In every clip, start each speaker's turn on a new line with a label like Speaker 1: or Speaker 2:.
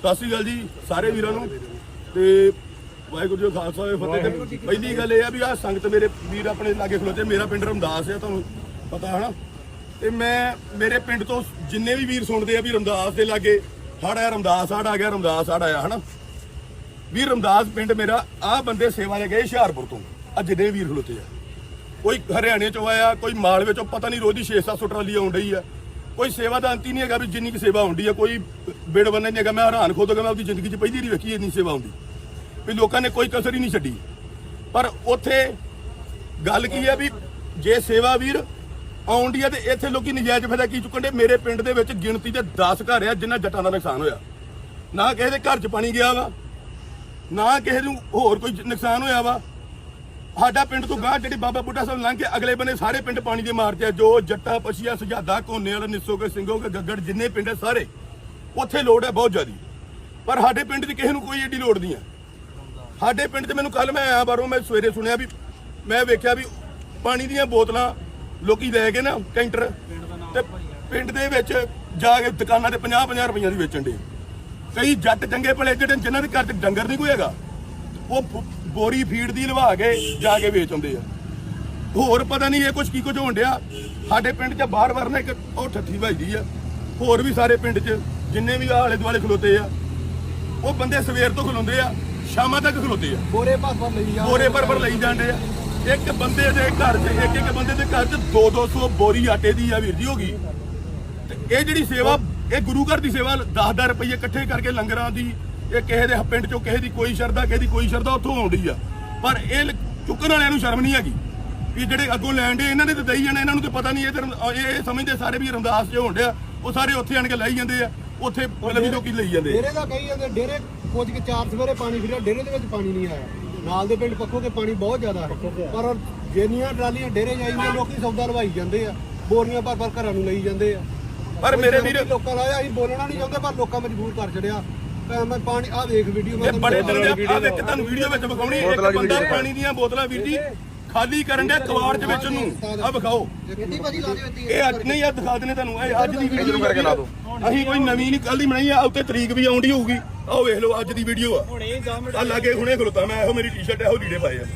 Speaker 1: ਸਤਿ ਸ਼੍ਰੀ ਅਕਾਲ ਜੀ ਸਾਰੇ ਵੀਰਾਂ ਨੂੰ ਤੇ ਵਾਹਿਗੁਰੂ ਜੀ ਕਾ ਖਾਲਸਾ ਫਤਿਹ। ਤੇ ਪਹਿਲੀ ਗੱਲ ਇਹ ਆ ਵੀ ਆ ਸੰਗਤ ਮੇਰੇ ਵੀਰ ਆਪਣੇ ਲਾਗੇ ਖਲੋਤੇ। ਮੇਰਾ ਪਿੰਡ ਰਮਦਾਸ ਆ, ਤੁਹਾਨੂੰ ਪਤਾ ਹੈ ਨਾ। ਤੇ ਮੈਂ ਮੇਰੇ ਪਿੰਡ ਤੋਂ ਜਿੰਨੇ ਵੀ ਵੀਰ ਸੁਣਦੇ ਆ ਵੀ ਰਮਦਾਸ ਦੇ ਲਾਗੇ ਹੜ ਆਇਆ, ਰਮਦਾਸ ਹੜ ਆ ਗਿਆ, ਰਮਦਾਸ ਹੜ ਆਇਆ, ਹਨਾ ਵੀ ਰਮਦਾਸ ਪਿੰਡ ਮੇਰਾ। ਆ ਬੰਦੇ ਸੇਵਾ ਲੈ ਗਏ ਹੁਸ਼ਿਆਰਪੁਰ ਤੋਂ, ਆ ਜਿੰਨੇ ਵੀਰ ਖਲੋਤੇ ਆ, ਕੋਈ ਹਰਿਆਣੇ ਚੋਂ ਆਇਆ, ਕੋਈ ਮਾਲਵੇ ਚੋਂ, ਪਤਾ ਨਹੀਂ ਰੋਜ਼ ਦੀ 600-700 ਟਰਾਲੀ ਆਉਣ ਡਈ ਆ। ਕੋਈ ਸੇਵਾ ਦਾ ਅੰਤ ਹੀ ਨਹੀਂ ਹੈਗਾ ਵੀ ਜਿੰਨੀ ਕੁ ਸੇਵਾ ਹੁੰਦੀ ਆ, ਕੋਈ ਬਿੜ ਬੰਨੇ ਨਹੀਂ ਹੈਗਾ। ਮੈਂ ਹੈਰਾਨ ਖੁਦ ਮੈਂ ਆਪਣੀ ਜ਼ਿੰਦਗੀ 'ਚ ਪਹਿਲੀ ਵਾਰੀ ਵੇਖੀ ਇੰਨੀ ਸੇਵਾ ਹੁੰਦੀ ਵੀ ਲੋਕਾਂ ਨੇ ਕੋਈ ਕਸਰ ਹੀ ਨਹੀਂ ਛੱਡੀ। ਪਰ ਉੱਥੇ ਗੱਲ ਕੀ ਹੈ ਵੀ ਜੇ ਸੇਵਾ ਵੀਰ ਆਉਂਦੀ ਆ ਤੇ ਇੱਥੇ ਲੋਕੀ ਨਜਾਇਜ਼ ਫਾਇਦਾ ਕੀ ਚੁੱਕਣ ਦੇ। ਮੇਰੇ ਪਿੰਡ ਦੇ ਵਿੱਚ ਗਿਣਤੀ ਦੇ 10 ਘਰ ਆ ਜਿਨ੍ਹਾਂ ਜੱਟਾਂ ਦਾ ਨੁਕਸਾਨ ਹੋਇਆ। ਨਾ ਕਿਸੇ ਦੇ ਘਰ 'ਚ ਪਾਣੀ ਗਿਆ ਵਾ, ਨਾ ਕਿਸੇ ਨੂੰ ਹੋਰ ਕੋਈ ਨੁਕਸਾਨ ਹੋਇਆ ਵਾ। ਸਾਡਾ ਪਿੰਡ ਤੋਂ ਗਾਂ ਜਿਹੜੀ ਬਾਬਾ ਬੁੱਢਾ ਸਾਹਿਬ ਲੰਘ ਕੇ ਅਗਲੇ ਬੰਨੇ ਸਾਰੇ ਪਿੰਡ ਪਾਣੀ ਦੇ ਮਾਰ 'ਚ ਆ। ਜੋ ਜੱਟਾ ਪਛੀਆ ਸੁਝਾਦਾ ਕੋਨੇ ਵਾਲਾ ਨਿੱਸੋਗੇ ਸਿੰਘੋਗੇ ਗੱਗੜ ਜਿੰਨੇ ਪਿੰਡ ਆ ਸਾਰੇ ਉੱਥੇ ਲੋੜ ਹੈ ਬਹੁਤ ਜ਼ਿਆਦੀ। ਪਰ ਸਾਡੇ ਪਿੰਡ 'ਚ ਕਿਸੇ ਨੂੰ ਕੋਈ ਏਡੀ ਲੋੜ ਨਹੀਂ ਆ। ਸਾਡੇ ਪਿੰਡ 'ਚ ਮੈਨੂੰ ਕੱਲ ਮੈਂ ਆਇਆ ਬਾਹਰੋਂ, ਮੈਂ ਸਵੇਰੇ ਸੁਣਿਆ ਵੀ ਮੈਂ ਵੇਖਿਆ ਵੀ ਪਾਣੀ ਦੀਆਂ ਬੋਤਲਾਂ ਲੋਕੀ ਲੈ ਕੇ ਨਾ ਕੈਂਟਰ ਤੇ ਪਿੰਡ ਦੇ ਵਿੱਚ ਜਾ ਕੇ ਦੁਕਾਨਾਂ ਤੇ 50-50 ਰੁਪਈਆਂ ਦੀ ਵੇਚਣ ਦੇ। ਕਈ ਜੱਟ ਚੰਗੇ ਭਲੇ ਜਿਹੜੇ ਜਿਨ੍ਹਾਂ ਦੇ ਘਰ 'ਚ ਡੰਗਰ ਨਹੀਂ ਕੋਈ ਹੈਗਾ, ਉਹ ਬੋਰੀ ਫੀਡ ਦੀ ਲਵਾ ਕੇ ਜਾ ਕੇ ਵੇਚ ਆਉਂਦੇ ਆ। ਹੋਰ ਪਤਾ ਨਹੀਂ ਇਹ ਕੀ ਕੁਝ ਹੋਣ ਡਿਆ ਸਾਡੇ ਪਿੰਡ 'ਚ। ਬਾਹਰ ਵਰਨਾ ਇੱਕ ਉਹ ਠੱਠੀ ਵੱਜਦੀ ਆ। ਹੋਰ ਵੀ ਸਾਰੇ ਪਿੰਡ 'ਚ ਜਿੰਨੇ ਵੀ ਆਲੇ ਦੁਆਲੇ ਖਲੋਤੇ ਆ, ਉਹ ਬੰਦੇ ਸਵੇਰ ਤੋਂ ਖਲੋਂਦੇ ਆ, ਸ਼ਾਮਾਂ ਤੱਕ ਖਲੋਤੇ ਆ, ਬੋਰੇ ਭਰ ਲਈ ਜਾਂਦੇ ਆ। ਇੱਕ ਬੰਦੇ ਦੇ ਘਰ 'ਚ ਇੱਕ ਬੰਦੇ ਦੇ ਘਰ 'ਚ 200 ਬੋਰੀ ਆਟੇ ਦੀ ਆ ਵੀਰ ਜੀ ਹੋ ਗਈ। ਤੇ ਇਹ ਜਿਹੜੀ ਸੇਵਾ, ਇਹ ਗੁਰੂ ਘਰ ਦੀ ਸੇਵਾ 10-10 ਰੁਪਏ ਇਕੱਠੇ ਕਰਕੇ ਲੰਗਰਾਂ ਦੀ, ਇਹ ਕਿਸੇ ਦੇ ਪਿੰਡ 'ਚੋਂ ਕਿਸੇ ਦੀ ਕੋਈ ਸ਼ਰਧਾ, ਕਿਸੇ ਦੀ ਕੋਈ ਸ਼ਰਧਾ ਉੱਥੋਂ ਆਉਂਦੀ ਆ। ਪਰ ਇਹ ਚੁੱਕਣ ਵਾਲਿਆਂ ਨੂੰ ਸ਼ਰਮ ਨਹੀਂ ਹੈਗੀ ਵੀ ਜਿਹੜੇ ਅੱਗੋਂ ਲੈਣ ਦੇ ਇਹਨਾਂ ਨੇ ਤਾਂ ਦਈ ਜਾਣਾ, ਇਹਨਾਂ ਨੂੰ ਤਾਂ ਪਤਾ ਨਹੀਂ। ਇਹ ਸਮਝਦੇ ਸਾਰੇ ਵੀ ਰਮਦਾਸ 'ਚ ਹੋਣ ਡਿਆ, ਉਹ ਸਾਰੇ ਉੱਥੇ ਆਣ ਕੇ ਲਾਈ ਜਾਂਦੇ ਆ। ਉੱਥੇ ਮਤਲਬ ਵੀ ਲੋਕੀ ਲਈ ਜਾਂਦੇ
Speaker 2: ਡੇਰੇ ਦਾ ਕਹੀ ਜਾਂਦੇ। ਡੇਰੇ ਕੁਝ ਕੇ 4 ਸਵੇਰੇ ਪਾਣੀ ਫਿਰਿਆ, ਡੇਰੇ ਦੇ ਵਿੱਚ ਪਾਣੀ ਨਹੀਂ ਆਇਆ। ਨਾਲ ਦੇ ਪਿੰਡ ਪੱਖੋ ਕੇ ਪਾਣੀ ਬਹੁਤ ਜ਼ਿਆਦਾ ਹੈ, ਪਰ ਜਿੰਨੀਆਂ ਟਰਾਲੀਆਂ ਡੇਰੇ ਜਾਈਆਂ ਲੋਕੀ ਸੌਦਾ ਲਵਾਈ ਜਾਂਦੇ ਆ, ਬੋਰੀਆਂ ਭਰ ਘਰਾਂ ਨੂੰ ਲਈ ਜਾਂਦੇ ਆ। ਪਰ ਮੇਰੇ ਵੀਰ ਲੋਕਾਂ ਦਾ ਅਸੀਂ ਬੋਲਣਾ ਨਹੀਂ ਚਾਹੁੰਦੇ, ਪਰ ਲੋਕਾਂ ਮਜਬੂਰ ਕਰ ਛੜਿਆ। ਮੈਂ ਪਾਣੀ ਆ ਵੇਖ ਵੀਡੀਓ ਮੈਂ
Speaker 1: ਬੜੇ ਦਿਨ ਆ ਵੇਖ ਤੁਹਾਨੂੰ ਵੀਡੀਓ ਵਿੱਚ ਵਿਖਾਉਣੀ। ਇੱਕ ਬੰਦਾ ਪਾਣੀ ਦੀਆਂ ਬੋਤਲਾਂ ਵੀਰ ਜੀ ਖਾਲੀ ਕਰਨ ਡਿਆ ਕਵਾੜ ਦੇ ਵਿੱਚ ਨੂੰ। ਆ ਵਿਖਾਓ ਇਹ ਅੱਜ ਨਹੀਂ, ਆ ਦਿਖਾ ਦਨੇ ਤੁਹਾਨੂੰ। ਇਹ ਅੱਜ ਦੀ ਵੀਡੀਓ ਕਰਕੇ ਲਾ ਦਿਓ। ਅਸੀਂ ਕੋਈ ਨਵੀਂ ਨਹੀਂ ਕੱਲ ਦੀ ਬਣਾਈ ਆ, ਉੱਤੇ ਤਰੀਕ ਵੀ ਆਉਂਦੀ ਹੋਊਗੀ। ਆਹ ਵੇਖ ਲਓ ਅੱਜ ਦੀ ਵੀਡੀਓ ਆ। ਆ ਲਾਗੇ ਹੁਣੇ ਖਲੋਤਾ ਮੈਂ, ਇਹੋ ਮੇਰੀ ਟੀ-ਸ਼ਰਟ ਇਹੋ ਲੀੜੇ ਪਾਏ ਆ।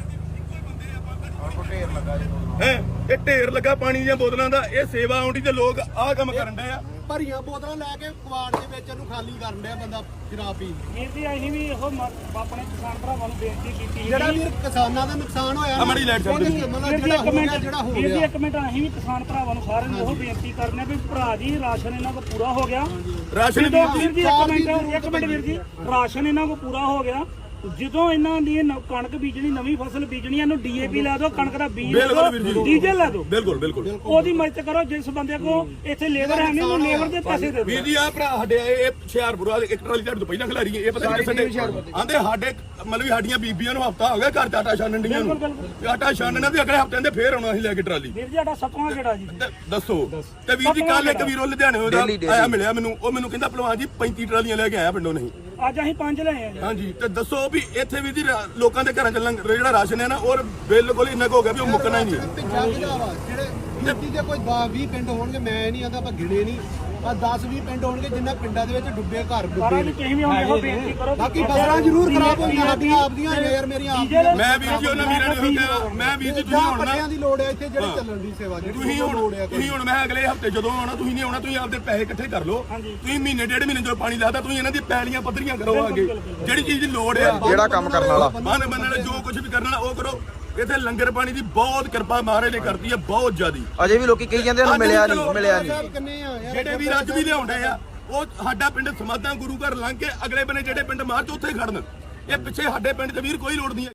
Speaker 1: ਇਹ ਢੇਰ ਲੱਗਾ ਪਾਣੀ ਦੀਆਂ ਬੋਤਲਾਂ ਦਾ। ਇਹ ਸੇਵਾ ਆਉਂਦੀ ਤੇ ਲੋਕ ਆਹ ਕੰਮ ਕਰਨ ਡਏ ਆ।
Speaker 2: ਭਰੀਆਂ ਬੋਤਲਾਂ ਲੈ ਕੇ ਕਵਾੜ ਦੇ ਵਿੱਚ ਇਹਨੂੰ ਖਾਲੀ ਕਰਨ ਡਿਆ ਬੰਦਾ ਸ਼ਰਾਬ ਪੀ।
Speaker 3: ਵੀਰ ਜੀ ਅਸੀਂ ਵੀ ਇਹੋ ਆਪਣੇ ਕਿਸਾਨ ਭਰਾਵਾਂ ਨੂੰ ਬੇਨਤੀ ਕੀਤੀ
Speaker 2: ਜਿਹੜਾ ਵੀਰ ਕਿਸਾਨਾਂ ਦਾ ਨੁਕਸਾਨ ਹੋਇਆ
Speaker 1: ਅਮੜੀ ਲਾਈਟ ਚੱਲ ਰਹੀ ਹੈ।
Speaker 2: ਜਿਹੜਾ ਹੋ ਗਿਆ
Speaker 3: ਇੱਕ ਮਿੰਟ ਅਸੀਂ ਵੀ ਕਿਸਾਨ ਭਰਾਵਾਂ ਨੂੰ ਸਾਰਿਆਂ ਨੂੰ ਇਹੋ ਬੇਨਤੀ ਕਰਨੇ ਵੀ ਭਰਾ ਜੀ ਰਾਸ਼ਨ ਇਹਨਾਂ ਕੋਲ ਪੂਰਾ ਹੋ ਗਿਆ।
Speaker 1: ਰਾਸ਼ਨ
Speaker 3: ਵੀਰ ਜੀ ਇੱਕ ਮਿੰਟ ਵੀਰ ਜੀ, ਰਾਸ਼ਨ ਇਹਨਾਂ ਕੋਲ ਪੂਰਾ ਹੋ ਗਿਆ। ਜਦੋਂ ਇਹਨਾਂ ਦੀ ਕਣਕ ਬੀਜਣੀ, ਨਵੀਂ ਫਸਲ ਬੀਜਣੀ, ਇਹਨੂੰ ਡੀਏਪੀ ਲਾ ਦਿਓ, ਕਣਕ ਦਾ ਬੀਜ ਡੀਜ਼ਲ ਲਾ ਦਿਓ।
Speaker 1: ਬਿਲਕੁਲ ਬਿਲਕੁਲ
Speaker 3: ਉਹਦੀ ਮਦਦ ਕਰੋ। ਜਿਸ ਬੰਦੇ ਕੋ ਇੱਥੇ ਲੇਬਰ ਹੈ ਨਹੀਂ, ਉਹਨੂੰ ਲੇਬਰ ਦੇ ਪੈਸੇ ਦੇ ਦਿਓ।
Speaker 1: ਵੀਰ ਜੀ ਆ ਭਰਾ ਸਾਡੇ ਇਹ ਹੁਸ਼ਿਆਰਪੁਰ ਵਾਲੇ ਇੱਕ ਟਰਾਲੀ ਤੁਹਾਡੇ ਤੋਂ ਪਹਿਲਾਂ ਖਿਲਾਰੀ। ਇਹ ਪਤਾ ਨਹੀਂ ਸਾਡੇ ਆਂਦੇ ਸਾਡੇ ਮਤਲਬ ਸਾਡੀਆਂ ਬੀਬੀਆਂ ਨੂੰ ਹਫਤਾ ਹੋ ਗਿਆ ਘਰ 'ਚ ਆਟਾ ਛਾਣਨ ਡੀਆਂ ਨੂੰ। ਆਟਾ ਛਾਣਨਾ ਵੀ ਅਗਲੇ ਹਫਤੇ ਦੇ ਫੇਰ ਆਉਣਾ ਅਸੀਂ ਲੈ ਕੇ ਟਰਾਲੀ।
Speaker 3: ਵੀਰ ਜੀ ਸਾਡਾ 7ਵਾਂ ਗੇੜਾ ਜੀ।
Speaker 1: ਦੱਸੋ। ਤੇ ਵੀਰ ਜੀ ਕੱਲ ਇੱਕ ਵੀਰੋ ਲੁਧਿਆਣੇ ਆਇਆ ਮਿਲਿਆ ਮੈਨੂੰ, ਉਹ ਮੈਨੂੰ ਕਹਿੰਦਾ ਭਲਵਾਨ ਜੀ 35 ਟਰਾਲੀਆਂ ਲੈ ਕੇ ਆਇਆ ਪਿੰਡੋਂ। ਨਹੀਂ
Speaker 3: ਅੱਜ ਅਸੀਂ 5 ਲਏ ਆ ਜੀ।
Speaker 1: ਹਾਂਜੀ ਤੇ ਦੱਸੋ ਵੀ ਇੱਥੇ ਵੀ ਜੀ ਲੋਕਾਂ ਦੇ ਘਰਾਂ 'ਚ ਜਿਹੜਾ ਰਾਸ਼ਨ ਹੈ ਨਾ, ਉਹ ਬਿਲਕੁਲ ਇੰਨਾ ਹੋ ਗਿਆ ਵੀ ਉਹ ਮੁੱਕਣਾ ਹੀ ਨਹੀਂ।
Speaker 2: ਜਿਹੜੇ ਗਿਣਤੀ ਦੇ ਕੋਈ 20 ਪਿੰਡ ਹੋਣਗੇ, ਮੈਂ ਨਹੀਂ ਆਂਦਾ ਆਪਾਂ ਗਿਣੇ ਨਹੀਂ, ਆ 10-20 ਪਿੰਡ ਹੋਣਗੇ ਜਿਨ੍ਹਾਂ ਪਿੰਡਾਂ ਦੇ ਵਿੱਚ ਡੁੱਬੇ ਘਰ ਡੁੱਬੇ ਨੇ।
Speaker 3: ਤੁਸੀਂ ਵੀ ਹੁਣ ਇਹੋ ਬੇਨਤੀ ਕਰੋ।
Speaker 2: ਬਾਕੀ ਫਸਲਾਂ ਜ਼ਰੂਰ ਖਰਾਬ ਹੋਈਆਂ ਸਾਡੀਆਂ ਆਪਦੀਆਂ ਯਾਰ, ਮੇਰੀਆਂ ਆਪਦੀਆਂ।
Speaker 1: ਮੈਂ ਵੀਰ ਜੀ ਉਹਨਾਂ ਵੀਰਾਂ ਨੂੰ ਕਿਹਾ, ਮੈਂ ਵੀਰ ਜੀ ਤੁਸੀਂ ਹੁਣ
Speaker 2: ਪੱਟਿਆਂ ਦੀ ਲੋੜ ਹੈ ਇੱਥੇ ਜਿਹੜੀ ਚੱਲਣ ਦੀ ਸੇਵਾ
Speaker 1: ਤੁਸੀਂ ਹੁਣ ਮੈਂ ਅਗਲੇ ਹਫਤੇ ਜਦੋਂ ਆਉਣਾ, ਤੁਸੀਂ ਨਹੀਂ ਆਉਣਾ, ਤੁਸੀਂ ਆਪਦੇ ਪੈਸੇ ਇਕੱਠੇ ਕਰ ਲਓ। ਤੁਸੀਂ ਮਹੀਨੇ ਡੇਢ ਮਹੀਨੇ ਜਦੋਂ ਪਾਣੀ ਲਾਦਾ, ਤੁਸੀਂ ਇਹਨਾਂ ਦੀ ਪੈਲੀਆਂ ਪੱਧਰੀਆਂ ਕਰੋ। ਅੱਗੇ ਜਿਹੜੀ ਚੀਜ਼ ਦੀ ਲੋੜ ਆ,
Speaker 4: ਜਿਹੜਾ ਕੰਮ ਕਰਨ ਵਾਲਾ
Speaker 1: ਬੰਨ ਵਾਲਾ ਜੋ ਕੁਝ ਵੀ ਕਰਨ ਵਾਲਾ ਉਹ ਕਰੋ। ਇੱਥੇ ਲੰਗਰ ਪਾਣੀ ਦੀ ਬਹੁਤ ਕਿਰਪਾ ਮਹਾਰਾਜ ਨੇ ਕਰਤੀ ਹੈ, ਬਹੁਤ ਜ਼ਿਆਦੀ।
Speaker 4: ਅਜੇ ਵੀ ਲੋਕੀ ਕਹੀ ਜਾਂਦੇ ਨੇ ਮਿਲਿਆ ਨਹੀਂ।
Speaker 1: ਜਿਹੜੇ ਵੀ ਅੱਜ ਵੀ ਲਿਆਉਂਦੇ ਆ, ਉਹ ਸਾਡਾ ਪਿੰਡ ਸਮਾਧਾਂ ਗੁਰੂ ਘਰ ਲੰਘ ਕੇ ਅਗਲੇ ਬੰਨੇ ਜਿਹੜੇ ਪਿੰਡ ਮਾਰਚ ਉੱਥੇ ਖੜਨ। ਇਹ ਪਿੱਛੇ ਸਾਡੇ ਪਿੰਡ 'ਚ ਵੀਰ ਕੋਈ ਲੋੜ ਨਹੀਂ।